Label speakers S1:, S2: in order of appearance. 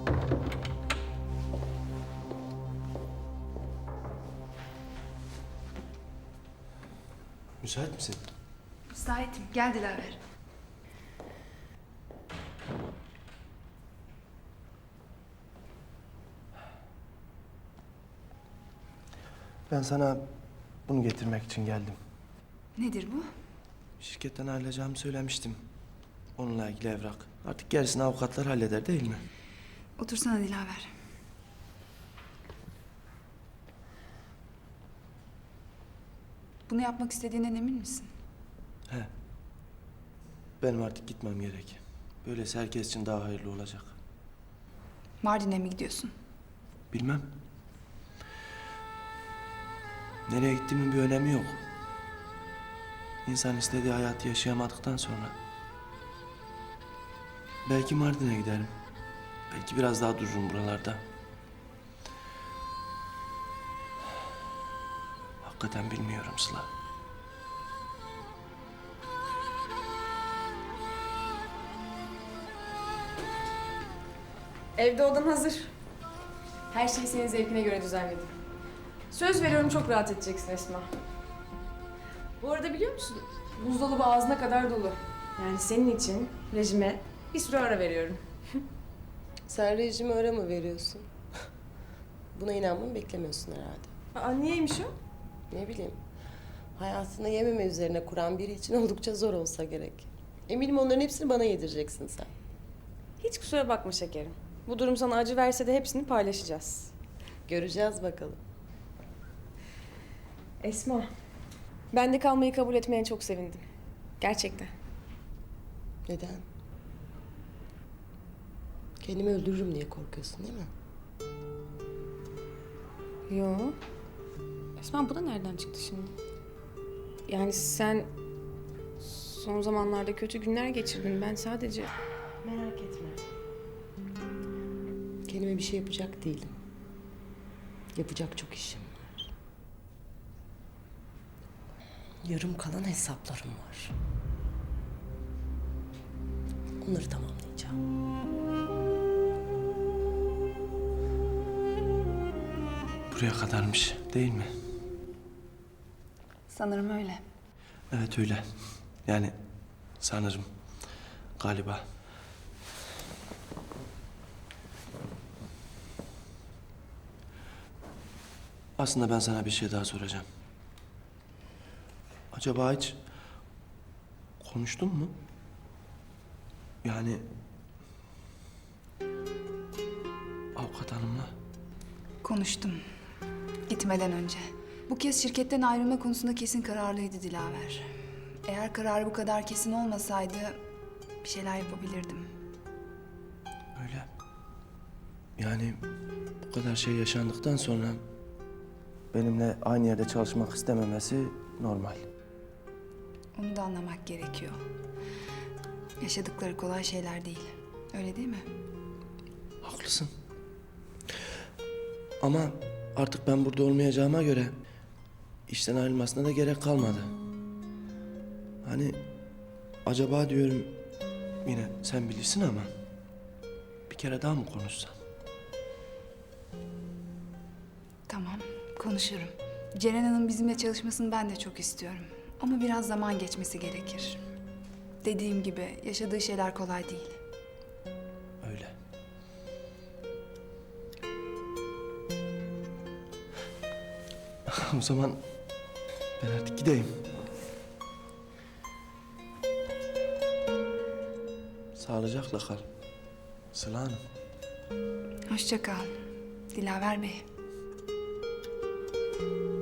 S1: Müsait misin?
S2: Müsaitim. Gel Dilaver.
S1: Ben sana bunu getirmek için geldim.
S2: Nedir bu?
S1: Şirketten ayrılacağımı söylemiştim. Onunla ilgili evrak. Artık gerisini avukatlar halleder değil mi?
S2: Otursana Dilaver. Bunu yapmak istediğinden emin misin?
S1: He. Benim artık gitmem gerek. Böylesi herkes için daha hayırlı olacak.
S2: Mardin'e mi gidiyorsun?
S1: Bilmem. Nereye gittiğimin bir önemi yok. İnsan istediği hayatı yaşayamadıktan sonra... Belki Mardin'e giderim. Belki biraz daha dururum buralarda. Hakikaten bilmiyorum Sıla.
S3: Evde odan hazır. Her şeyi senin zevkine göre düzenledim. Söz veriyorum çok rahat edeceksin Esma. Bu arada biliyor musun? Buzdolabı ağzına kadar dolu. Yani senin için rejime bir süre ara veriyorum.
S4: Sen rejime ara mı veriyorsun? Buna inanmamı beklemiyorsun herhalde.
S3: Aa, niyeymiş o?
S4: Ne bileyim. Hayatını yememe üzerine kuran biri için oldukça zor olsa gerek. Eminim onların hepsini bana yedireceksin sen.
S3: Hiç kusura bakma şekerim. Bu durum sana acı verse de hepsini paylaşacağız.
S4: Göreceğiz bakalım.
S3: Esma, ben de kalmayı kabul etmeye çok sevindim. Gerçekten.
S4: Neden? Kendimi öldürürüm diye korkuyorsun değil mi?
S3: Yo. Esma bu da nereden çıktı şimdi? Yani sen son zamanlarda kötü günler geçirdin. Ben sadece...
S4: Merak etme. Kendime bir şey yapacak değilim. Yapacak çok işim var. Yarım kalan hesaplarım var. Onları tamamlayacağım.
S1: Buraya kadarmış değil mi?
S2: Sanırım öyle.
S1: Evet öyle. Yani sanırım. Galiba. Aslında ben sana bir şey daha soracağım. Acaba hiç konuştun mu? Yani avukat hanımla.
S2: Konuştum. Gitmeden önce. Bu kez şirketten ayrılma konusunda kesin kararlıydı Dilaver. Eğer kararı bu kadar kesin olmasaydı bir şeyler yapabilirdim.
S1: Öyle. Yani bu kadar şey yaşandıktan sonra benimle aynı yerde çalışmak istememesi normal.
S2: Onu da anlamak gerekiyor. Yaşadıkları kolay şeyler değil. Öyle değil mi?
S1: Haklısın. Ama artık ben burada olmayacağıma göre işten ayrılmasına da gerek kalmadı. Hani acaba diyorum yine sen bilirsin ama bir kere daha mı konuşsam?
S2: Tamam, konuşurum. Ceren Hanım bizimle çalışmasını ben de çok istiyorum. Ama biraz zaman geçmesi gerekir. Dediğim gibi yaşadığı şeyler kolay değil.
S1: Öyle. O zaman ben artık gideyim. Sağlıcakla kal. Sıla Hanım.
S2: Hoşça kal. Dilaver Bey.